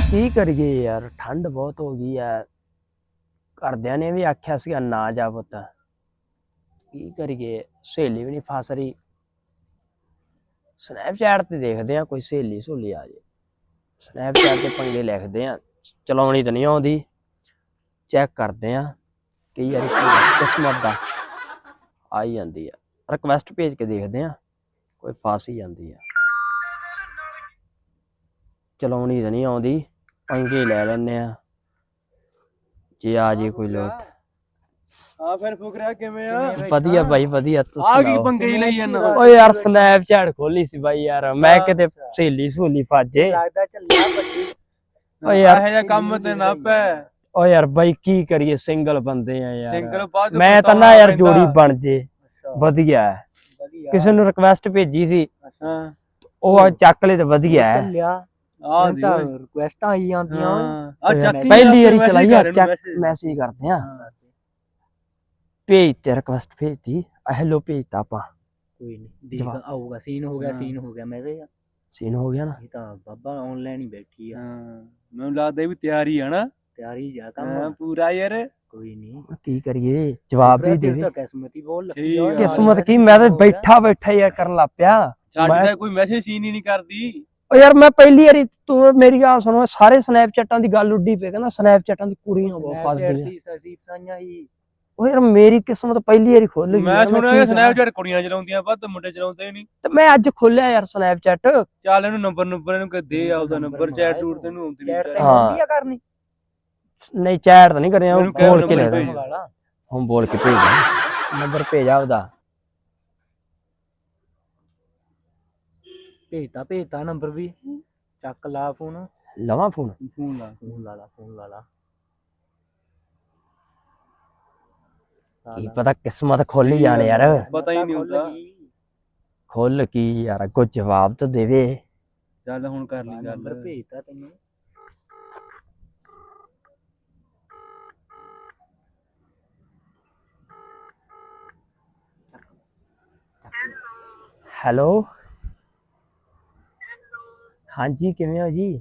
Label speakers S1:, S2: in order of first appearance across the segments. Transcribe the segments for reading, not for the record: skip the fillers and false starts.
S1: ਕੀ ਕਰੀਏ ਯਾਰ, ਠੰਡ ਬਹੁਤ ਹੋ ਗਈ ਐ। ਘਰਦਿਆਂ ਨੇ ਵੀ ਆਖਿਆ ਸੀਗਾ ਨਾ ਜਾ ਪੁੱਤ, ਕੀ ਕਰੀਏ, ਸਹੇਲੀ ਵੀ ਨਹੀਂ ਫਸ ਰਹੀ। ਸਨੈਪਚੈਟ ਤੇ ਦੇਖਦੇ ਆ ਕੋਈ ਸਹੇਲੀ ਸਹੂਲੀ ਆ ਜੇ, ਸਨੈਪਚੈਟ ਤੇ ਪੰਗੇ ਲਿਖਦੇ ਆ, ਚਲਾਉਣੀ ਤਾਂ ਨਹੀਂ ਆਉਂਦੀ, ਚੈੱਕ ਕਰਦੇ ਆ, ਕਈ ਵਾਰੀ ਕਿਸਮਤ ਦਾ ਆ ਹੀ ਜਾਂਦੀ ਆ। ਰਿਕਵੈਸਟ ਭੇਜ ਕੇ ਦੇਖਦੇ ਆ, ਕੋਈ ਫਸ ਹੀ ਜਾਂਦੀ ਆ। ਚਲਾਉਣੀ ਤਾਂ ਨਹੀਂ ਆਉਂਦੀ, ਪੰਗੇ ਲੈ ਲੈਂਦੇ ਆ, ਜੇ ਆ ਜੇ ਕੋਈ ਲੋਟ।
S2: ਆ ਫਿਰ ਫੁਕਰਿਆ ਕਿਵੇਂ ਆ?
S1: ਵਧੀਆ ਬਾਈ ਵਧੀਆ, ਤੁਸੀਂ
S2: ਆ ਕੀ ਪੰਗੇ ਲਈ ਜਾਂਦਾ?
S1: ਓ ਯਾਰ ਸਨੈਪਚੈਟ ਖੋਲੀ ਸੀ ਬਾਈ ਯਾਰ, ਮੈਂ ਕਿਤੇ ਸਹੇਲੀ ਸਹੂਲੀ ਫਾਜੇ
S2: ਲੱਗਦਾ ਚੱਲਿਆ ਬੱਜੀ।
S1: ਓ ਯਾਰ
S2: ਇਹੋ ਜਿਹਾ ਕੰਮ ਤੇ ਨਾ ਪੈ।
S1: ਓ ਯਾਰ ਬਾਈ ਕੀ ਕਰੀਏ, ਸਿੰਗਲ ਬੰਦੇ ਆ ਯਾਰ।
S2: ਸਿੰਗਲ ਬਾਅਦ
S1: ਮੈਂ ਤਾਂ ਨਾ ਯਾਰ ਜੋੜੀ ਬਣ ਜੇ ਵਧੀਆ ਹੈ। ਕਿਸੇ ਨੂੰ ਰਿਕਵੈਸਟ ਭੇਜੀ ਸੀ, ਉਹ ਚੱਕ ਲੈ ਤੇ ਵਧੀਆ ਹੈ।
S2: ਆ ਤਾਂ ਰਿਕੁਐਸਟਾਂ ਆਈ ਜਾਂਦੀਆਂ। ਆ ਚੱਕੀ
S1: ਪਹਿਲੀ ਵਾਰੀ ਚਲਾਈ ਆ, ਚੈੱਕ ਮੈਸੇਜ ਕਰਦੇ ਆ, ਭੇਜ ਤੇ ਰਿਕਵੈਸਟ ਭੇਜਤੀ, ਹੈਲੋ ਭੇਜਤਾ ਆਪਾਂ।
S3: ਕੋਈ ਨਹੀਂ ਦੇਖ ਆਊਗਾ, ਸੀਨ ਹੋ ਗਿਆ, ਸੀਨ ਹੋ ਗਿਆ, ਮੈਸੇਜ
S1: ਸੀਨ ਹੋ ਗਿਆ ਨਾ।
S3: ਇਹ ਤਾਂ ਬਾਬਾ ਆਨਲਾਈਨ ਹੀ ਬੈਠੀ ਆ।
S2: ਮੈਨੂੰ ਲੱਗਦਾ ਵੀ ਤਿਆਰੀ ਆ ਨਾ।
S3: ਤਿਆਰੀ ਜਾ ਕੰਮ
S2: ਪੂਰਾ ਯਾਰ।
S3: ਕੋਈ ਨਹੀਂ,
S1: ਕੀ ਕਰੀਏ, ਜਵਾਬ ਵੀ ਦੇਵੇ।
S3: ਤਾਂ ਕਿਸਮਤ ਹੀ ਬੋਲ
S1: ਕਿਸਮਤ ਕੀ, ਮੈਂ ਤਾਂ ਬੈਠਾ ਯਾਰ ਕਰਨ ਲੱਗ ਪਿਆ।
S2: ਸਾਡੀ ਕੋਈ ਮੈਸੇਜ ਸੀਨ ਹੀ ਨਹੀਂ ਕਰਦੀ।
S1: ਓ ਯਾਰ ਮੈਂ ਪਹਿਲੀ ਵਾਰੀ, ਤੂੰ ਮੇਰੀ ਗੱਲ ਸੁਣੋ, ਸਾਰੇ ਸਨੈਪਚੈਟਾਂ ਦੀ ਗੱਲ ਉੱਡੀ ਪਈ, ਕਹਿੰਦਾ ਸਨੈਪਚੈਟਾਂ ਦੀ ਕੁੜੀਆਂ ਬਹੁਤ ਫਸਦੀਆਂ। ਓ ਯਾਰ ਮੇਰੀ ਕਿਸਮਤ ਪਹਿਲੀ ਵਾਰੀ ਖੁੱਲ ਗਈ।
S2: ਮੈਂ ਸੁਣਿਆ ਸਨੈਪਚੈਟ ਕੁੜੀਆਂ ਚਲਾਉਂਦੀਆਂ, ਵੱਧ ਮੁੰਡੇ ਚਲਾਉਂਦੇ ਨਹੀਂ।
S1: ਤੇ ਮੈਂ ਅੱਜ ਖੋਲਿਆ ਯਾਰ ਸਨੈਪਚੈਟ।
S2: ਚੱਲ ਇਹਨੂੰ ਨੰਬਰ ਇਹਨੂੰ ਕਿ ਦੇ ਆਪਦਾ ਨੰਬਰ, ਚੈਟ ਟੂਰ ਤੈਨੂੰ ਆਉਂਦੀ ਨਹੀਂ।
S1: ਹਾਂ ਕਰਨੀ ਨਹੀਂ, ਚੈਟ ਤਾਂ ਨਹੀਂ ਕਰਿਆ, ਬੋਲ ਕੇ ਲੈ ਹੁਣ, ਬੋਲ ਕੇ ਭੇਜ ਨੰਬਰ, ਭੇਜ ਆਪਦਾ।
S3: ਭੇਜਤਾ ਨੰਬਰ ਵੀ, ਚੱਕ ਲਾ ਫੋਨ।
S1: ਲਵਾਂ ਫੋਨ?
S3: ਫੋਨ ਲਾ ਲਾ।
S1: ਕੀ ਪਤਾ ਕਿਸਮਤ ਖੁੱਲ ਹੀ ਜਾਣੇ ਯਾਰ,
S2: ਪਤਾ ਹੀ ਨਹੀਂ ਹੁੰਦਾ।
S1: ਖੁੱਲ ਕੀ ਯਾਰ, ਅੱਗੋਂ ਜਵਾਬ ਤਾਂ ਦੇਵੇ।
S2: ਚੱਲ ਹੁਣ ਕਰ ਲਈ ਗੱਲ।
S3: ਨੰਬਰ ਭੇਜਤਾ ਤੈਨੂੰ।
S1: ਹੈਲੋ ਹਾਂਜੀ, ਕਿਵੇਂ ਹੋ ਜੀ?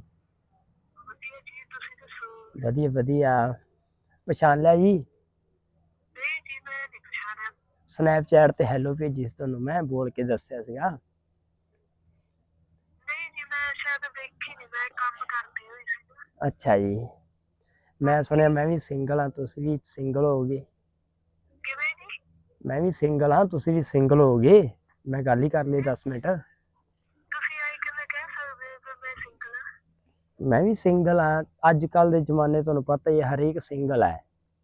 S1: ਵਧੀਆ ਵਧੀਆ, ਪਛਾਣ ਲਿਆ ਜੀ? ਸਨੈਪਚੈਟ ਤੇ ਹੈਲੋ ਭੇਜੀ ਸੀ ਤੁਹਾਨੂੰ, ਮੈਂ ਬੋਲ ਕੇ ਦੱਸਿਆ ਸੀਗਾ। ਅੱਛਾ ਜੀ, ਮੈਂ ਸੁਣਿਆ ਮੈਂ ਵੀ ਸਿੰਗਲ ਹਾਂ, ਤੁਸੀਂ ਵੀ ਸਿੰਗਲ ਹੋਗੇ। ਮੈਂ ਵੀ ਸਿੰਗਲ ਹਾਂ, ਤੁਸੀਂ ਵੀ ਸਿੰਗਲ ਹੋਗੇ, ਮੈਂ ਗੱਲ ਹੀ ਕਰ ਲਈ 10 ਮਿੰਟ। ਮੈਂ ਵੀ ਸਿੰਗਲ ਹਾਂ, ਅੱਜ ਕੱਲ ਦੇ ਜ਼ਮਾਨੇ ਤੁਹਾਨੂੰ ਪਤਾ ਹੀ ਹੈ, ਹਰੇਕ ਸਿੰਗਲ ਹੈ।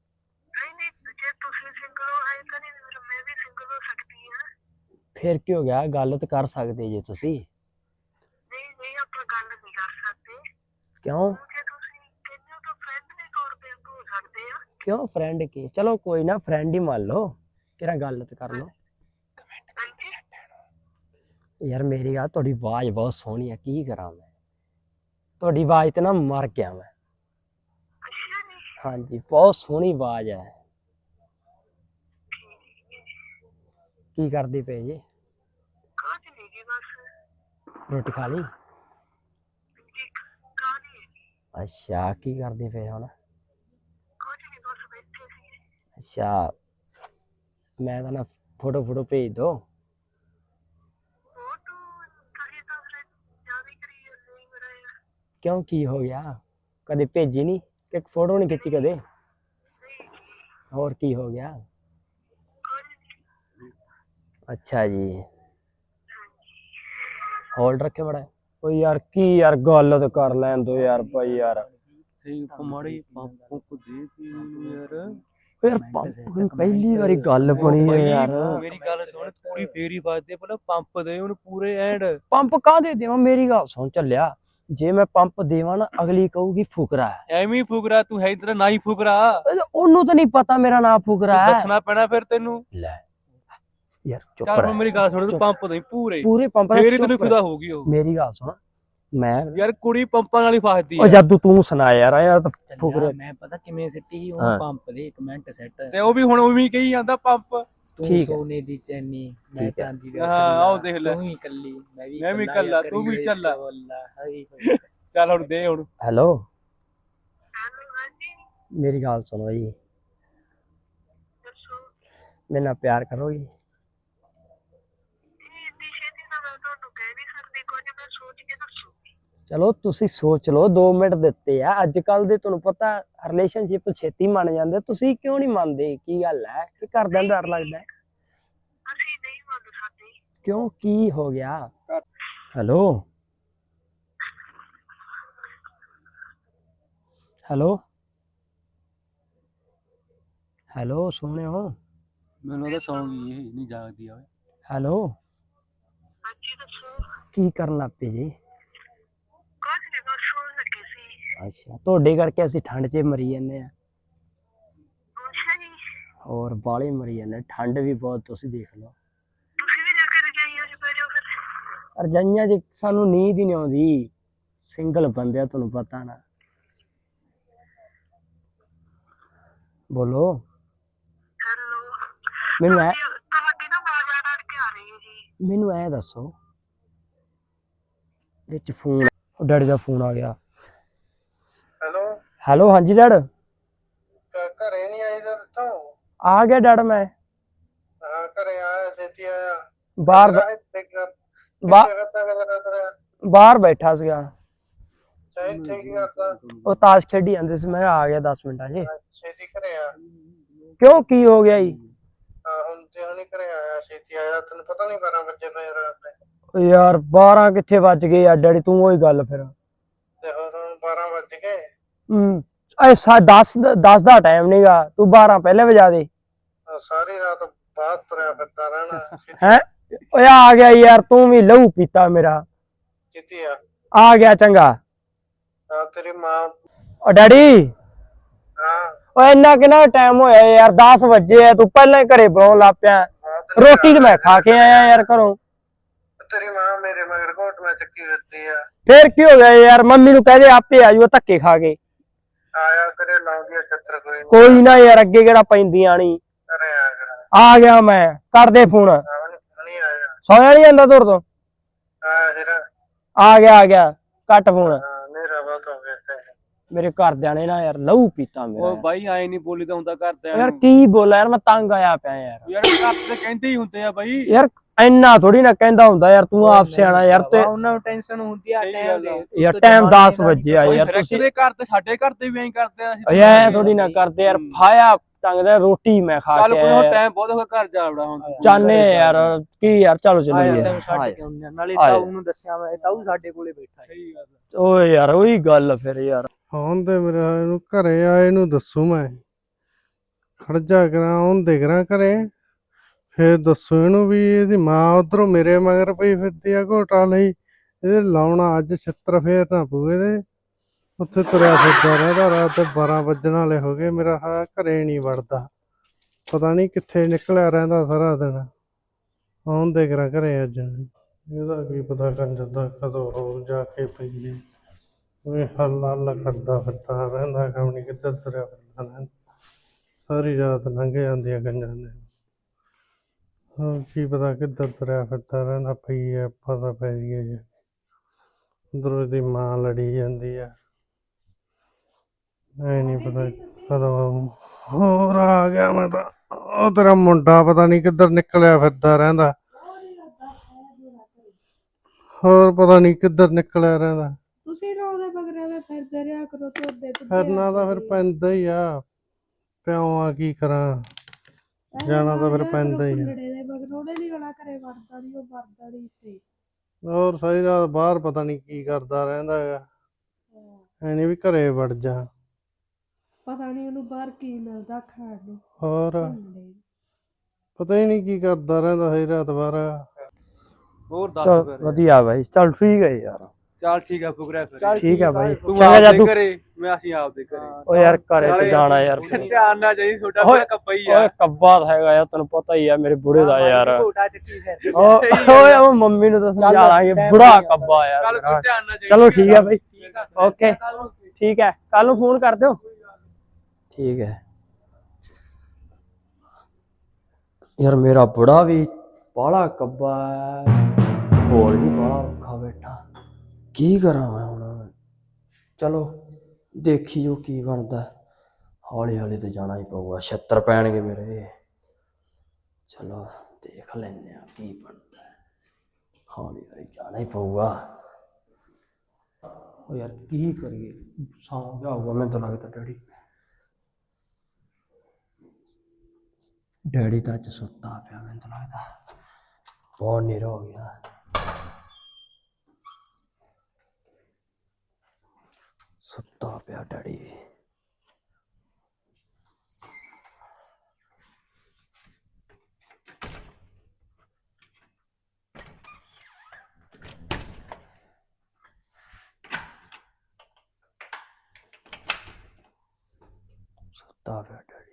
S1: ਫਿਰ ਕੀ ਹੋ ਗਿਆ, ਗੱਲ ਤਾਂ ਕਰ ਸਕਦੇ ਜੇ ਤੁਸੀਂ। ਕਿਉਂ ਕਿਉਂ ਫਰੈਂਡ ਕੀ, ਚਲੋ ਕੋਈ ਨਾ, ਫਰੈਂਡ ਹੀ ਮੰਨ ਲਓ, ਕਿਹੜਾ ਗੱਲ ਤੇ ਕਰ ਲਓ। ਯਾਰ ਮੇਰੀ ਗੱਲ, ਤੁਹਾਡੀ ਆਵਾਜ਼ ਬਹੁਤ ਸੋਹਣੀ ਆ, ਕੀ ਕਰਾਂ ਮੈਂ, ਤੁਹਾਡੀ ਆਵਾਜ਼ ਤੇ ਨਾ ਮਰ ਗਿਆ ਮੈਂ। ਹਾਂਜੀ, ਬਹੁਤ ਸੋਹਣੀ ਆਵਾਜ਼ ਹੈ। ਕੀ ਕਰਦੇ ਪਏ ਜੀ? ਰੋਟੀ ਖਾ ਲਈ? ਅੱਛਾ, ਕੀ ਕਰਦੇ ਪਏ ਹੁਣ? ਅੱਛਾ, ਮੈਂ ਤਾਂ ਨਾ ਫੋਟੋ ਭੇਜ ਦੋ। ਕਿਉਂ, ਕੀ ਹੋ ਗਿਆ? ਕਦੇ ਭੇਜੀ ਨਹੀਂ, ਕਿ ਫੋਟੋ ਨਹੀਂ ਖਿੱਚੀ ਕਦੇ? ਹੋਰ ਕੀ ਹੋ ਗਿਆ? ਅੱਛਾ ਜੀ, ਹੋਲਡ ਰੱਖੇ ਬੜਾ। ਓ ਯਾਰ ਕੀ ਯਾਰ, ਗੱਲ ਤਾਂ ਕਰ ਲੈਣ ਦੋ ਯਾਰ ਭਾਈ ਯਾਰ।
S2: ਮਾੜੀ ਪੰਪ ਦੇ ਯਾਰ,
S1: ਪਹਿਲੀ ਵਾਰੀ ਗੱਲ ਬਣੀ ਹੈ ਯਾਰ।
S2: ਮੇਰੀ ਗੱਲ ਸੁਣ, ਕੁੜੀ ਫੇਰੀ ਵੱਜਦੇ, ਪਹਿਲਾਂ ਪੰਪ ਦੇ ਉਹਨੂੰ ਪੂਰੇ ਐਂਡ।
S1: ਪੰਪ ਕਾਹਦੇ ਦੇਵਾਂ, ਮੇਰੀ ਗੱਲ ਸੁਣ ਚੱਲਿਆ, ਜੇ ਮੈਂ ਪੰਪ ਦੇਵਾਂ ਨਾ, ਅਗਲੀ ਕਹੂਗੀ ਫੁਕਰਾ ਹੈ।
S2: ਐਵੇਂ ਹੀ ਫੁਕਰਾ, ਤੂੰ ਹੈ ਇਧਰ ਨਾ ਹੀ ਫੁਕਰਾ।
S1: ਉਹਨੂੰ ਤਾਂ ਨਹੀਂ ਪਤਾ ਮੇਰਾ ਨਾਂ ਫੁਕਰਾ ਹੈ,
S2: ਦੱਸਣਾ ਪੈਣਾ ਫਿਰ ਤੈਨੂੰ।
S1: ਲੈ ਯਾਰ ਚੁੱਪ
S2: ਚੱਲ ਹੁਣ ਮੇਰੀ ਗੱਲ ਸੁਣ, ਤੂੰ ਪੰਪ ਦੇ ਪੂਰੇ
S1: ਪੰਪ,
S2: ਫੇਰ ਤੈਨੂੰ ਖੁਦਾ ਹੋਊਗੀ ਉਹ।
S1: ਮੇਰੀ ਗੱਲ ਸੁਣ, ਮੈਂ
S2: ਯਾਰ ਕੁੜੀ ਪੰਪਾਂ ਨਾਲ ਹੀ ਫਸਦੀ
S1: ਆ। ਜਾਦੂ ਤੂੰ ਸੁਣਾ ਯਾਰ, ਯਾਰ ਤਾਂ ਫੁਕਰੇ।
S3: ਮੈਂ ਪਤਾ ਕਿਵੇਂ ਸਿੱਟੀ, ਉਹ ਪੰਪ ਦੇ ਕਮੈਂਟ ਸੈੱਟ,
S2: ਤੇ ਉਹ ਵੀ ਹੁਣ ਉਵੇਂ ਕਹੀ ਜਾਂਦਾ ਪੰਪ।
S3: ਤੂੰ ਸੋਨੇ ਦੀ ਚੈਨੀ, ਮੈਂ ਚਾਂਦੀ ਦਾ
S2: ਹਾਂ, ਆਓ ਦੇਖ ਲੈ,
S3: ਤੂੰ ਹੀ ਇਕੱਲੀ,
S2: ਮੈਂ ਵੀ ਇਕੱਲਾ, ਤੂੰ ਵੀ ਚੱਲਾ। ਚੱਲ ਹੁਣ ਦੇ ਹੁਣ।
S1: ਹੈਲੋ ਮੇਰੀ ਗੱਲ ਸੁਣੋ ਜੀ, ਮੇਰੇ ਨਾਲ ਪਿਆਰ ਕਰੋਗੀ? ਚਲੋ ਤੁਸੀਂ ਸੋਚ ਲਓ, 2 ਮਿੰਟ ਦਿੱਤੇ ਆ। ਅੱਜ ਕੱਲ ਦੇ ਤੁਹਾਨੂੰ ਪਤਾ ਰਿਲੇਸ਼ਨਸ਼ਿਪ ਛੇਤੀ ਮੰਨ ਜਾਂਦੇ, ਤੁਸੀਂ ਕਿਉਂ ਨਹੀਂ ਮੰਨਦੇ? ਕੀ ਗੱਲ ਹੈ ਕਿ ਘਰਦਿਆਂ ਨੂੰ ਡਰ ਲੱਗਦਾ ਹੈ? ਕਿਉਂ, ਕੀ ਹੋ ਗਿਆ? ਹੈਲੋ ਹੈਲੋ ਹੈਲੋ, ਸੁਣਿਓ?
S2: ਮੈਨੂੰ ਤਾਂ ਸੌਂ ਗਈ ਇਹ ਨਹੀਂ ਜਾਗਦੀ ਆ ਓਏ।
S1: ਹੈਲੋ, ਕੀ ਕਰਨ ਲੱਗ ਪਏ ਜੀ? ਅੱਛਾ, ਤੁਹਾਡੇ ਕਰਕੇ ਅਸੀਂ ਠੰਡ 'ਚ ਮਰੀ ਜਾਂਦੇ ਆ। ਹੋਰ ਬਾਹਲੇ ਮਰੀ ਜਾਂਦੇ, ਠੰਡ ਵੀ ਬਹੁਤ, ਤੁਸੀਂ ਦੇਖ ਲਓ। ਰਜਾਈਆਂ 'ਚ ਸਾਨੂੰ ਨੀਂਦ ਹੀ ਨਹੀਂ ਆਉਂਦੀ, ਸਿੰਗਲ ਬੰਦੇ ਆ, ਤੁਹਾਨੂੰ ਪਤਾ ਨਾ। ਬੋਲੋ। ਮੈਨੂੰ ਐ ਦੱਸੋ, ਵਿੱਚ ਫੋਨ, ਡੈਡੀ ਦਾ ਫੋਨ ਆ ਗਿਆ।
S4: ਹੈਲੋ
S1: ਹੈਲੋ, ਹਾਂਜੀ ਡੈਡ।
S4: ਘਰੇ ਨਹੀਂ ਆਈ ਤਾਂ ਦੱਸੋ।
S1: ਆ ਗਿਆ ਡੈਡ ਮੈਂ।
S4: ਹਾਂ ਘਰੇ ਆਇਆ, ਛੇਤੀ ਆਇਆ।
S1: ਬਾਹਰ ਬਾਹਰ ਬੈਠਾ ਸੀਗਾ।
S4: ਇੱਥੇ ਕੀ ਕਰਦਾ?
S1: ਉਹ ਤਾਸ਼ ਖੇਡੀ ਜਾਂਦੇ ਸੀ, ਮੈਂ ਆ ਗਿਆ 10 ਮਿੰਟਾਂ 'ਚ।
S4: ਛੇਤੀ ਘਰੇ ਆ।
S1: ਕਿਉਂ, ਕੀ ਹੋ ਗਿਆ ਜੀ?
S4: ਹੁਣ ਤੇ ਹੁਣੀ ਘਰੇ ਆਇਆ, ਛੇਤੀ ਆਇਆ। ਤੈਨੂੰ ਪਤਾ ਨਹੀਂ 12 ਵਜੇ ਪਏ ਰਾਤ ਦੇ।
S1: ਯਾਰ 12 ਕਿੱਥੇ ਵੱਜ ਗਏ ਆ ਡੈਡੀ, ਤੂੰ ਉਹੀ ਗੱਲ ਫਿਰ।
S4: ਤੇ ਹੋਰ ਹੁਣ 12 ਵੱਜ ਗਏ।
S1: ਐ 10 ਦਾ ਟਾਈਮ ਨੀਗਾ, ਤੂੰ 12 ਪਹਿਲੇ ਵਜਾ ਦੇ।
S4: ਸਾਰੀ ਰਾਤ ਬਾਹਰ ਤੁਰਿਆ ਫਿਰਦਾ ਰਹਿਣਾ।
S1: ਹੈ ਓਏ ਆ ਗਿਆ ਯਾਰ, ਤੂੰ ਵੀ ਲਹੂ ਪੀਤਾ ਮੇਰਾ।
S4: ਕਿੱਥੇ ਆ?
S1: ਆ ਗਿਆ, ਚੰਗਾ।
S4: ਤੇਰੀ ਮਾਂ।
S1: ਓ ਡੈਡੀ,
S4: ਹਾਂ
S1: ਓਏ ਇੰਨਾ ਕਿੰਨਾ ਟਾਈਮ ਹੋਇਆ ਯਾਰ, 10 ਵਜੇ ਆ, ਤੂੰ ਪਹਿਲਾਂ ਹੀ ਘਰੇ ਬਣਾਉਣ ਲੱਗ ਪਿਆ। ਰੋਟੀ ਤੇ ਮੈਂ ਖਾ ਕੇ ਆਇਆ ਯਾਰ ਘਰੋਂ।
S4: ਤੇਰੀ ਮਾਂ ਮੇਰੇ ਮਗਰ ਘੋਟਣਾ ਚੱਕੀ ਫਿਰਦੀ ਆ।
S1: ਫੇਰ ਕੀ ਹੋ ਗਿਆ ਯਾਰ, ਮੰਮੀ ਨੂੰ ਕਹਦੇ ਆਪੇ ਆਜੂ, ਧੱਕੇ ਖਾ ਕੇ।
S4: ਆਇਆ ਤੇਰੇ ਲਾਉਂਦੀ ਆ ਛੱਤਰ।
S1: ਕੋਈ ਨਾ ਯਾਰ, ਅੱਗੇ ਕਿਹੜਾ ਪੈਂਦੀਆਂ ਨੀ।
S4: ਘਰੇ ਆ ਕਰ।
S1: ਆ ਗਿਆ ਮੈਂ, ਕਰਦੇ ਫੋਨ।
S4: ਨਹੀਂ ਆਇਆ।
S1: ਸੌਇਆ ਨੀ ਜਾਂਦਾ ਤੁਰ ਤੋਂ?
S4: ਆਇਆ ਫਿਰ।
S1: ਆ ਗਿਆ, ਕੱਟ ਫੋਨ।
S4: ਮੇਰਾ ਬਹੁਤ ਹੋ ਗਿਆ ਤੇ।
S1: ਮੇਰੇ ਘਰਦਿਆਂ ਨੇ ਨਾ ਯਾਰ ਲਹੂ ਪੀਤਾ ਮੇਰਾ।
S2: ਉਹ ਬਾਈ ਆਏ ਨਹੀਂ ਬੋਲੀ ਤਾਂ ਹੁੰਦਾ ਘਰਦਿਆਂ
S1: ਯਾਰ
S2: ਨੂੰ।
S1: ਕੀ ਬੋਲਾਂ ਯਾਰ, ਮੈਂ ਤੰਗ ਆਇਆ ਪਿਆ ਯਾਰ।
S2: ਯਾਰ ਘਰ ਤੇ ਕਹਿੰਦੇ ਹੀ ਹੁੰਦੇ ਆ ਬਾਈ।
S1: ਯਾਰ ਇੰਨਾ ਥੋੜੀ ਨਾ ਕਹਿੰਦਾ ਹੁੰਦਾ ਯਾਰ, ਤੂੰ ਆਪ ਸਿਆਣਾ ਯਾਰ। ਤੇ
S3: ਉਹਨਾਂ ਨੂੰ ਟੈਨਸ਼ਨ ਹੁੰਦੀ ਆ ਟਾਈਮ ਦੀ।
S1: ਯਾਰ ਟਾਈਮ 10 ਵਜੇ ਆ ਯਾਰ,
S2: ਤੁਸੀਂ
S1: ਤੁਸੀਂ
S2: ਘਰ ਤੇ ਸਾਡੇ ਘਰ ਤੇ ਵੀ ਐਂ ਕਰਦੇ ਆ।
S1: ਐ ਥੋੜੀ ਨਾ ਕਰਦੇ ਯਾਰ, ਫਾਇਆ ਟੰਗਦਾ, ਰੋਟੀ ਮੈਂ ਖਾ
S2: ਚੱਲ
S1: ਕੇ
S2: ਕੋਈ
S1: ਆਇਆ।
S2: ਟਾਈਮ ਬਹੁਤ ਹੋ ਗਿਆ, ਘਰ ਜਾ ਵੜਾ ਹੁਣ।
S1: ਚਾਹਨੇ ਯਾਰ ਕੀ ਯਾਰ, ਚਲੋ ਚੱਲੀਏ।
S3: ਨਾਲੇ ਤਾਊ ਨੂੰ ਦੱਸਿਆ ਮੈਂ, ਤਾਊ ਸਾਡੇ ਕੋਲੇ ਬੈਠਾ ਹੈ।
S1: ਓਏ ਯਾਰ ਉਹੀ ਗੱਲ ਫਿਰ ਯਾਰ।
S4: ਹੁਣ ਤੇ ਮੇਰੇ ਇਹਨੂੰ ਘਰੇ ਆਏ ਨੂੰ ਦੱਸੂ ਮੈਂ। ਖੜਜਾ ਕਰਾਂ ਹੁਣ ਦੇਖ ਰਾਂ ਘਰੇ, ਫੇਰ ਦੱਸੂ ਇਹਨੂੰ ਵੀ ਇਹਦੀ ਮਾਂ ਉਧਰੋਂ ਮੇਰੇ ਮਗਰ ਪਈ ਫਿਰਦੀ ਆ ਘੋਟਾ ਲਈ। ਇਹਦੇ ਲਾਉਣਾ ਅੱਜ ਛਿੱਤਰ ਫੇਰ ਨਾ ਪਊ ਇਹਦੇ। ਉੱਥੇ ਤੁਰਿਆ ਫਿਰਦਾ ਰਹਿੰਦਾ, ਰਾਤ ਦੇ 12 ਵੱਜਣ ਵਾਲੇ ਹੋ ਗਏ। ਮੇਰਾ ਘਰੇ ਨਹੀਂ ਵੜਦਾ, ਪਤਾ ਨਹੀਂ ਕਿੱਥੇ ਨਿਕਲਿਆ ਰਹਿੰਦਾ ਸਾਰਾ ਦਿਨ। ਹੁਣ ਦੇਖ ਰਾਂ ਘਰੇ ਅੱਜ, ਇਹਦਾ ਕੀ ਪਤਾ ਕੰਜਰ ਦਾ ਕਦੋਂ ਹੋ ਜਾ ਕੇ ਪਈਏ। ਹੱਲ ਹੱਲ ਕਰਦਾ ਫਿਰਦਾ ਰਹਿੰਦਾ, ਕੰਮ ਨਹੀਂ ਕਿੱਧਰ ਤੁਰਿਆ ਫਿਰਦਾ ਰਹਿੰਦਾ। ਸਾਰੀ ਰਾਤ ਲੰਘ ਜਾਂਦੀ ਆ ਕੰਜਰ ਦੇ। ਹੋਰ ਕੀ ਪਤਾ ਕਿੱਧਰ ਤੁਰਿਆ ਫਿਰਦਾ ਰਹਿੰਦਾ। ਪਈ ਆ ਪਤਾ ਪੈ ਜਾਈਏ ਜੇ ਉੱਧਰੋਂ ਇਹਦੀ ਮਾਂ ਲੜੀ ਜਾਂਦੀ ਆ। ਐ ਨਹੀਂ ਪਤਾ ਕਦੋਂ ਆਊ। ਹੋਰ ਆ ਗਿਆ ਮੈਂ ਤਾਂ। ਉਹ ਤੇਰਾ ਮੁੰਡਾ ਪਤਾ ਨਹੀਂ ਕਿੱਧਰ ਨਿਕਲਿਆ ਫਿਰਦਾ ਰਹਿੰਦਾ। ਹੋਰ ਪਤਾ ਨਹੀਂ ਕਿੱਧਰ ਨਿਕਲਿਆ ਰਹਿੰਦਾ।
S5: ਤੁਸੀਂ ਨਾ ਉਹਦੇ ਮਗਰ ਫਿਰਦੇ ਰਿਹਾ ਕਰੋ, ਤੁਰਦੇ
S4: ਫਿਰਨਾ ਤਾਂ ਫਿਰ ਪੈਂਦਾ ਹੀ ਆ, ਪਿਓ ਆ ਕੀ ਕਰਾਂ, ਜਾਣਾ ਤਾਂ ਫਿਰ ਪੈਂਦਾ ਹੀ ਆ।
S5: ਦੇ ਮਗਰ ਉਹਨੇ ਨੀ ਗਲਾ ਘਰੇ ਵੜਦਾ ਨੀ, ਉਹ ਵੜਦਾ ਨੀ ਇੱਥੇ।
S4: ਹੋਰ ਸਾਰੀ ਰਾਤ ਬਾਹਰ ਪਤਾ ਨਹੀਂ ਕੀ ਕਰਦਾ ਰਹਿੰਦਾ ਹੈਗਾ। ਐ ਨੀ ਵੀ ਘਰੇ ਵੜ ਜਾ।
S5: ਪਤਾ ਨੀ ਉਹਨੂੰ ਬਾਹਰ ਕੀ ਮਿਲਦਾ ਖਾਣ ਨੂੰ।
S4: ਹੋਰ ਪਤਾ ਹੀ ਨਹੀਂ ਕੀ ਕਰਦਾ ਰਹਿੰਦਾ ਸਾਰੀ ਰਾਤ ਬਾਹਰ।
S2: ਹੋਰ ਦੱਸ
S1: ਚਲ
S2: ਫਿਰ।
S1: ਵਧੀਆ ਬਾਈ, ਚਲ ਠੀਕ ਹੈ ਯਾਰ।
S2: ਚੱਲ ਠੀਕ ਆ ਫੁਕਰਿਆ ਫਿਰ।
S1: ਠੀਕ ਹੈ ਬਾਈ,
S2: ਤੂੰ
S1: ਚੰਗਾ ਜਾ
S2: ਆਪਦੇ
S1: ਤੂੰ।
S2: ਘਰੇ, ਮੈਂ ਅਸੀਂ ਆਪਦੇ ਘਰੇ।
S1: ਓ ਯਾਰ ਘਰੇ ਤੇ ਜਾਣਾ ਯਾਰ।
S2: ਧਿਆਨ ਨਾਲ ਜਾਈ, ਤੁਹਾਡਾ ਬੜਾ ਕੱਪਾ ਹੀ ਆ।
S1: ਓਏ ਕੱਬਾ ਤਾਂ ਹੈਗਾ ਯਾਰ, ਤੈਨੂੰ ਪਤਾ ਹੀ ਆ ਮੇਰੇ ਬੁੜੇ ਦਾ ਯਾਰ।
S3: ਘੋਟਾ ਚੱਕੀ ਫਿਰ
S1: ਓਏ ਉਹ ਮੰਮੀ ਨੂੰ ਤਾਂ ਸਮਝਾ ਲਾਂਗੇ, ਬੁੜਾ ਕੱਬਾ ਯਾਰ।
S2: ਚੱਲ ਤੂੰ ਧਿਆਨ ਨਾਲ ਜਾਈ।
S1: ਚਲੋ ਠੀਕ ਹੈ ਬਾਈ, ਓਕੇ ਠੀਕ ਹੈ, ਕੱਲ ਨੂੰ ਫੋਨ ਕਰ ਦਿਓ। ਠੀਕ ਹੈ ਯਾਰ, ਮੇਰਾ ਬੁੜਾ ਵੀ ਬਾਹਲਾ ਕੱਬਾ ਹੈ, ਹੋਰ ਵੀ ਬਾਹਲਾ ਔਖਾ ਬੈਠਾ। ਕੀ ਕਰਾਂ ਮੈਂ ਹੁਣ? ਚਲੋ ਦੇਖੀ ਜੋ ਕੀ ਬਣਦਾ। ਹੌਲੀ ਹੌਲੀ ਤੇ ਜਾਣਾ ਹੀ ਪਊਗਾ, 76 ਪੈਣਗੇ ਮੇਰੇ। ਚਲੋ ਦੇਖ ਲੈਂਦੇ ਆ ਕੀ ਬਣਦਾ ਹੈ। ਹੌਲੀ ਹੌਲੀ ਜਾਣਾ ਹੀ ਪਊਗਾ। ਉਹ ਯਾਰ ਕੀ ਕਰੀਏ, ਸੌਂ ਗਿਆ ਹੋਊਗਾ ਮੈਨੂੰ ਤਾਂ ਲੱਗਦਾ ਡੈਡੀ ਤਾਂ ਅੱਜ ਸੁੱਤਾ ਪਿਆ ਮੈਨੂੰ ਤਾਂ ਲੱਗਦਾ, ਬਹੁਤ ਹਨੇਰਾ ਹੋ ਗਿਆ। ਸੁੱਤਾ ਪਿਆ ਡੈਡੀ। ਸੁੱਤਾ ਪਿਆ ਡੈਡੀ,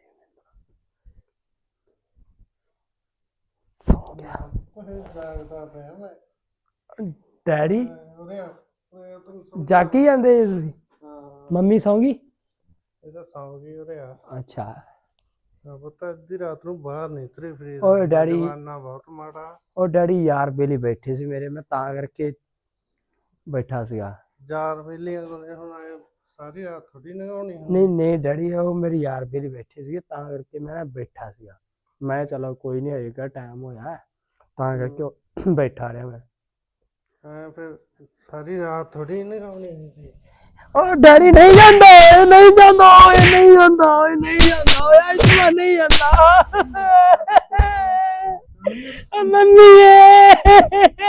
S1: ਸੌ ਗਿਆ
S4: ਜਾਗਦਾ ਪਿਆ ਮੈਂ।
S1: ਡੈਡੀ।
S4: ਉਰੇ ਆ, ਉਰੇ ਆ, ਤੈਨੂੰ ਸਮਝਾ-
S1: ਜਾਗੀ ਜਾਂਦੇ ਜੀ ਤੁਸੀਂ?
S4: ਹਾਂ
S1: ਮੰਮੀ ਸੌਂ ਗਈ?
S4: ਇਹ ਤਾਂ ਸੌਂ ਗਈ। ਉਰੇ ਆ
S1: ਅੱਛਾ।
S4: ਪਤਾ ਅੱਧੀ ਰਾਤ ਨੂੰ ਬਾਹਰ ਨਹੀਂ ਤੁਰੇ ਫਿਰੀ।
S1: ਓਏ ਡੈਡੀ।
S4: ਜਮਾਨਾ ਬਹੁਤ ਮਾੜਾ।
S1: ਉਹ ਡੈਡੀ ਯਾਰ ਬੇਲੀ ਬੈਠੇ ਸੀ ਮੇਰੇ, ਮੈਂ ਤਾਂ ਕਰਕੇ ਬੈਠਾ ਸੀਗਾ।
S4: ਯਾਰ ਵੇਲੀਆਂ ਕੋਲੇ ਹੁਣ ਆਏ ਸਾਰੀ ਰਾਤ ਥੋੜੀ ਲੰਘਾਉਣੀ
S1: ਨਹੀਂ ਨਹੀਂ ਡੈਡੀ, ਉਹ ਮੇਰੇ ਯਾਰ ਬੇਲੀ ਬੈਠੇ ਸੀਗੇ ਤਾਂ ਕਰਕੇ ਮੈਂ ਨਾ ਬੈਠਾ ਸੀਗਾ। ਮੈਂ ਚਲੋ ਕੋਈ ਨਹੀਂ, ਹੋਏਗਾ ਟਾਈਮ ਹੋਇਆ ਤਾਂ ਕਰਕੇ ਉਹ ਬੈਠਾ ਰਿਹਾ ਮੈਂ।
S4: ਹਾਂ ਫਿਰ ਸਾਰੀ ਰਾਤ ਥੋੜੀ ਲੰਘਾਉਣੀ ਹੁੰਦੀ।
S1: ਉਹ ਡੈਡੀ ਨਹੀਂ ਜਾਂਦਾ, ਓਏ ਨਹੀਂ ਜਾਂਦਾ, ਓਏ ਨਹੀਂ ਜਾਂਦਾ, ਓਏ ਨਹੀਂ ਜਾਂਦਾ, ਓਏ ਇਸ ਵਾਰ ਨਹੀਂ ਜਾਂਦਾ। ਮੰਮੀ